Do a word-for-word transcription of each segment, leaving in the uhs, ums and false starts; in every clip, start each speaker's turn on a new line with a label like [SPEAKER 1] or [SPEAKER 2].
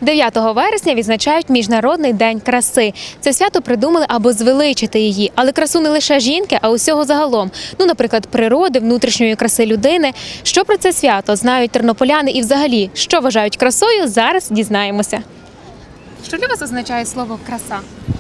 [SPEAKER 1] дев'ятого вересня відзначають Міжнародний день краси. Це свято придумали, аби звеличити її. Але красу не лише жінки, а усього загалом. Ну, наприклад, природи, внутрішньої краси людини. Що про це свято знають тернополяни і взагалі, що вважають красою, зараз дізнаємося. Що для вас означає слово «краса»?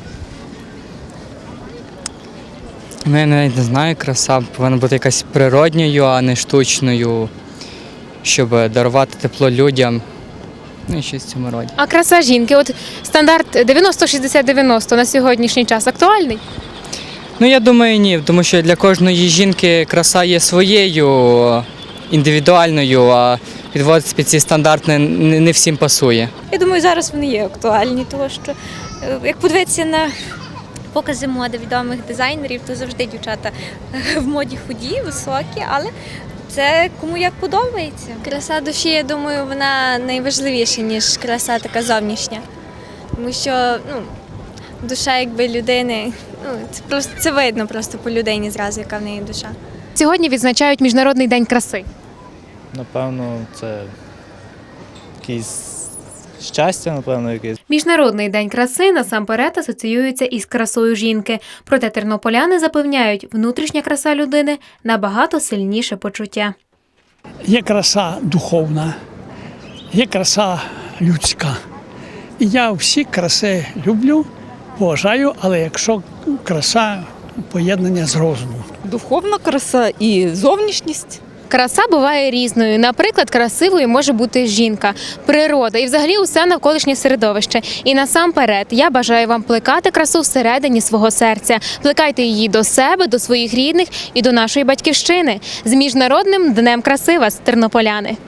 [SPEAKER 2] Ну, я навіть не знаю, краса повинна бути якась природньою, а не штучною, щоб дарувати тепло людям. Ну і щось в цьому роді.
[SPEAKER 1] А краса жінки, от стандарт дев'яносто шістдесят дев'яносто на сьогоднішній час актуальний?
[SPEAKER 2] Ну, я думаю, ні, тому що для кожної жінки краса є своєю, індивідуальною, а підводити під ці стандарти не, не всім пасує.
[SPEAKER 3] Я думаю, зараз вони є актуальні, тому що е, як подивитися на покази моди відомих дизайнерів, то завжди дівчата в моді худі, високі, але це кому як подобається. Краса душі, я думаю, вона найважливіша, ніж краса така зовнішня. Тому що ну, душа якби людини, ну, це просто це видно просто по людині зразу, яка в неї душа.
[SPEAKER 1] Сьогодні відзначають Міжнародний день краси.
[SPEAKER 4] Напевно, це якесь щастя, напевно, якесь.
[SPEAKER 1] Міжнародний день краси насамперед асоціюється із красою жінки. Проте тернополяни запевняють, внутрішня краса людини – набагато сильніше почуття.
[SPEAKER 5] Є краса духовна, є краса людська. І я всі краси люблю, поважаю, але якщо краса поєднання з розумом.
[SPEAKER 6] Духовна краса і зовнішність.
[SPEAKER 1] Краса буває різною. Наприклад, красивою може бути жінка, природа і взагалі усе навколишнє середовище. І насамперед я бажаю вам плекати красу всередині свого серця. Плекайте її до себе, до своїх рідних і до нашої батьківщини. З Міжнародним днем краси вас, тернополяни!